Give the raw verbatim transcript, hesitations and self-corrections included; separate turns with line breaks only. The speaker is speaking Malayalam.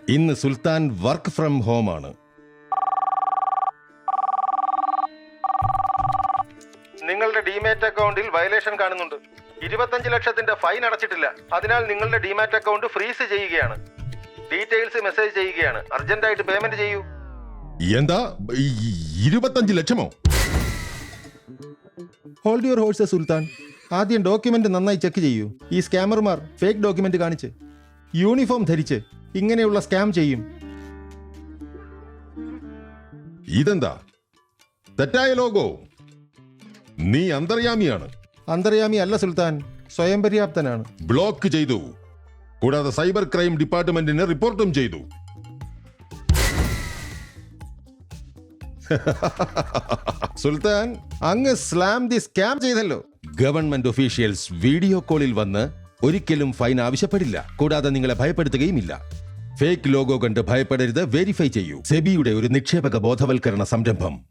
ഇന്ന് സുൽത്താൻ വർക്ക് ഫ്രം ഹോം ആണ്.
നിങ്ങളുടെ ഡിമാറ്റ് അക്കൗണ്ടിൽ വയലേഷൻ കാണുന്നുണ്ട്. ഇരുപത്തഞ്ച് ലക്ഷത്തിന്റെ ഫൈൻ അടച്ചിട്ടില്ല. അതിനാൽ നിങ്ങളുടെ ഡിമാറ്റ് അക്കൗണ്ട് ഫ്രീസ് ചെയ്യുകയാണ്. ഡീറ്റെയിൽസ് മെസ്സേജ് ചെയ്യുകയാണ്. അർജന്റായിട്ട് പേയ്മെന്റ് ചെയ്യൂ.
എന്താ ഈ ഇരുപത്തഞ്ച് ലക്ഷമോ?
Hold your horse Sultan. ആദ്യം ഡോക്യുമെന്റ് നന്നായി ചെക്ക് ചെയ്യൂ. ഈ സ്കാമർമാർ ഫേക്ക് ഡോക്യുമെന്റ് കാണിച്ച് യൂണിഫോം ധരിച്ച് ഇങ്ങനെയുള്ള സ്കാം ചെയ്യും.
ഇതെന്താ തെറ്റായ ലോഗോ? നീ അന്തർയാമിയാണ്.
അന്തർയാമി അല്ല സുൽത്താൻ, സ്വയം പര്യാപ്തനാണ്.
ബ്ലോക്ക് ചെയ്തു. കൂടാതെ സൈബർ ക്രൈം ഡിപ്പാർട്ട്മെന്റിന് റിപ്പോർട്ടും ചെയ്തു.
സുൽത്താൻ, അങ്ങ് സ്ലാം ദി സ്കാം ചെയ്തല്ലോ.
ഗവൺമെന്റ് ഒഫീഷ്യൽസ് വീഡിയോ കോളിൽ വന്ന് ഒരിക്കലും ഫൈൻ ആവശ്യപ്പെടില്ല. കൂടാതെ നിങ്ങളെ ഭയപ്പെടുത്തുകയുമില്ല. ഫേക്ക് ലോഗോ കണ്ട് ഭയപ്പെടരുത്. വെരിഫൈ ചെയ്യൂ. സെബിയുടെ ഒരു നിക്ഷേപക ബോധവൽക്കരണ സംരംഭം.